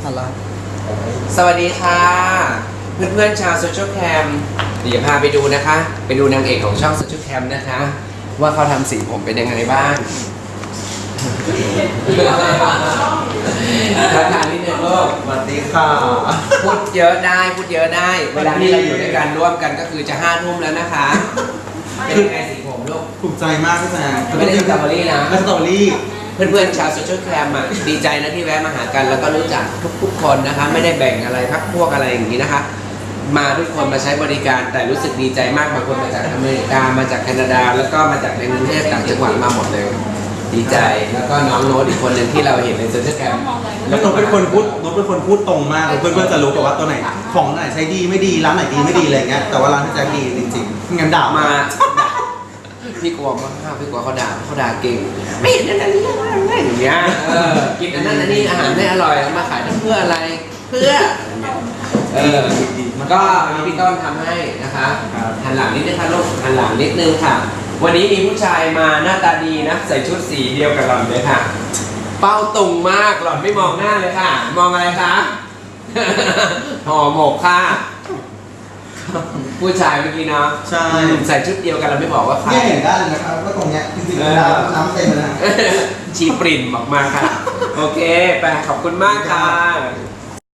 ฮัลโหลสวัสดีค่ะ เพื่อนๆชาวโซเชียลแคมเดี๋ยวพาไปดูนะคะ ไปดูนางเอกของช่องโซเชียลแคมนะคะ ว่าเขาทำสีผมเป็นยังไงบ้างทักทายนิดนึงลูกสวัสดีค่ะพูดเยอะได้พูดเยอะได้ เวลาที่เราอยู่ด้วยกันร่วมกันก็คือจะ5 ทุ่มแล้วนะคะเป็นยังไงสีผมลูกถูกใจมากพี่แซมไม่ได้สตรอเบอรี่นะไม่สตรอเบอรี่เพื่อนๆชาวโซเชียลแคมอ่ะดีใจนะที่แวะมาหากันแล้วก็รู้จักทุกๆคนนะคะไม่ได้แบ่งอะไรพักพวกอะไรอย่างนี้นะคะ มาทุกคนมาใช้บริการแต่รู้สึกดีใจมากบางคนมาจากอเมริกามาจากแคนาดา แล้วก็มาจากในกรุงเทพต่างจังหวัดมาหมดเลยดีใจแล้วก็น้องโน้ตอีกคนหนึ่งที่เราเห็นในโซเชียลแคมแล้วโน้ตเป็นคนพูดตรงมากเพื่อนๆจะรู้กับว่าตัวไหนของไหนใช้ดีไม่ดีร้านไหนดีไม่ดีอะไรเงี้ยแต่ว่าร้านที่แจ็คดีจริงๆงั้นด่ามามาพี่กลัวมากพี่กลัวเขาด่าเก่งไม่เห็นอันนั้นอย่างเงี้ยกินอันนั้นอันนี้อาหารไม่อร่อยมาขายเพื่ออะไรเพื่อมันก็พี่ต้นทำให้นะคะหันหลังนิดนึงค่ะลูกหันหลังนิดนึงค่ะ วันนี้มีผู้ชายมาหน้าตาดีนะใส่ชุดสีเดียวกับหล่อนเลยค่ะ เป้าตุงมากหล่อนไม่มองหน้าเลยค่ะ มองอะไรคะ ห่อหมกค่ะผู้ชายเมื่อกี้เนาะใช่ใส่ชุดเดียวกันเราไม่บอกว่าใครเนี่ยเห็นได้เลยนะครับว่าตรงเนี้ยจริงๆน้ำเต็มเลยนะชีปริ่นออกมาค่ะ โอเคไปขอบคุณมากค่ะ